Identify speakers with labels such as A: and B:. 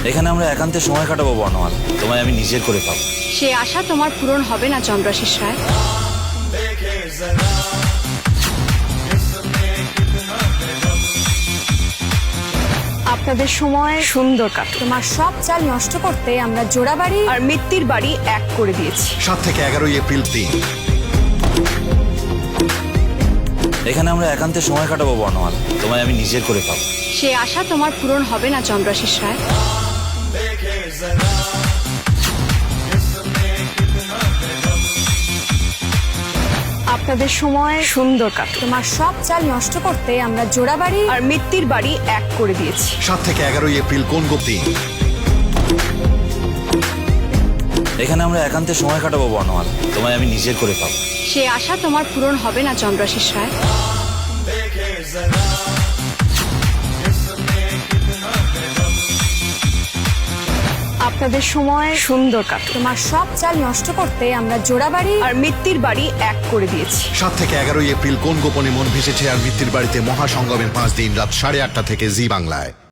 A: এখানে আমরা একান্তে সময় কাটাবো বর্ণমালা, তোমায় আমি নিজের করে পাবো।
B: সে আশা তোমার পূরণ হবে না চন্দ্রাশিস রায়। আপনাদের সময় সুন্দর কাটুক। তোমার সব চাল নষ্ট করতে আমরা জোড়া বাড়ি আর মিত্তির বাড়ি এক করে দিয়েছি।
C: 7 থেকে 11 এপ্রিল 3।
A: এখানে আমরা একান্তে সময় কাটাবো বর্ণমালা, তোমায় আমি নিজের করে পাবো।
B: সে আশা তোমার পূরণ হবে না চন্দ্রাশিস রায়। আপনাদের সময় সুন্দর কাটুক। তোমার সব চাল নষ্ট করতে আমরা জোড়া বাড়ি আর মিত্তির বাড়ি এক করে দিয়েছি।
C: 7 থেকে 11 এপ্রিল কোন গোপ 3।
A: এখানে আমরা একান্তে সময় কাটাবো বর্ণমালা, তোমায় আমি নিজের করে পাবো।
B: সে আশা তোমার পূরণ হবে না চন্দ্রাশিস রায়। আপনাদের সময় সুন্দর কাটুক। তোমার সব চাল নষ্ট করতে আমরা জোড়া বাড়ি আর মিত্তির বাড়ি এক করে দিয়েছি।
C: 7 থেকে 11 এপ্রিল কোন গোপনে মন ভেসেছে আর মৃত্যুর বাড়িতে মহাসঙ্গমের 5 দিন রাত 8:30 থেকে জি বাংলায়।